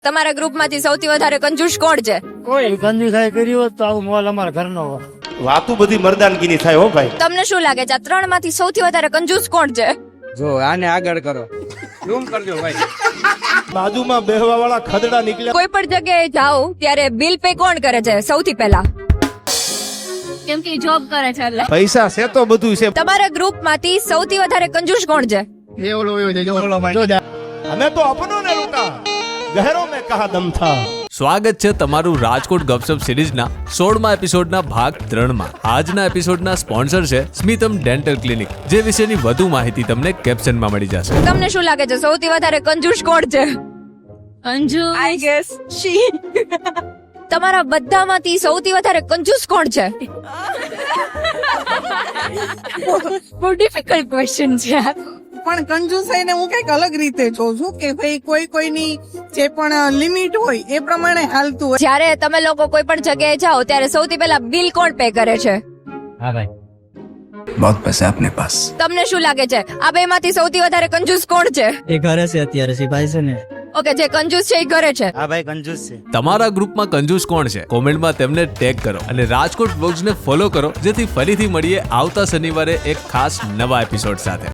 તમારા ગ્રુપમાંથી સૌથી વધારે કંજૂસ કોણ છે? કોઈ કંજુસાઈ કરી હોત તો આવું મોલ અમારા ઘરનો હોત. વાતું બધી મર્દાનગીની થાય હો ભાઈ. તમને શું લાગે છે આ ત્રણમાંથી સૌથી વધારે કંજૂસ કોણ છે? જો આને આગળ કરો, ઝૂમ કરજો ભાઈ. બાજુમાં બેહવા વાળા ખદડા નીકળ્યા. કોઈ પણ જગ્યાએ જાઓ ત્યારે બિલ પે કોણ કરે છે સૌથી પહેલા? કેમ કે જોબ કરે છે એટલે. પૈસા છે તો બધું છે. તમારા ગ્રુપમાંથી સૌથી વધારે કંજૂસ કોણ છે? અમે તો અપનો ને લૂટા, ગહેરો મેં કહા દમ થા. સ્વાગત છે તમારું રાજકોટ ગપસપ સિરીઝના 16મા એપિસોડના ભાગ 3માં. આજના એપિસોડના સ્પોન્સર છે સ્મિતમ ડેન્ટલ ક્લિનિક, જે વિશેની વધુ માહિતી તમને કેપ્શનમાં મળી જશે. તમને શું લાગે છે સૌથી વધારે કંજૂસ કોણ છે? Anju I guess she. તમારા બધામાંથી સૌથી વધારે કંજૂસ કોણ છે? બહુ ડિફિકલ્ટ ક્વેશ્ચન છે. પણ કંજુસાઈને હું કઈક અલગ રીતે જોઉં છું કે ભાઈ કોઈની જે પણ લિમિટ હોય એ પ્રમાણે હાલતું હોય. જ્યારે તમે લોકો કોઈ પણ જગ્યાએ જાઓ ત્યારે સૌથી પહેલા બિલ કોણ પે કરે છે? હા ભાઈ. बहुत पैसा है अपने पास. તમને શું લાગે છે આ બે માંથી સૌથી વધારે કંજૂસ કોણ છે? એ ઘરે છે અત્યારે, સિપાઈ છે ને. ઓકે, જે કંજૂસ છે એ ઘરે છે. હા ભાઈ, કંજૂસ છે. તમારા ગ્રુપમાં કંજૂસ કોણ છે? કોમેન્ટમાં તેમને ટેગ કરો અને રાજકોટ બ્લોગ્સને ફોલો કરો, જેથી ફરીથી મળીએ આવતા શનિવારે એક ખાસ નવા એપિસોડ સાથે.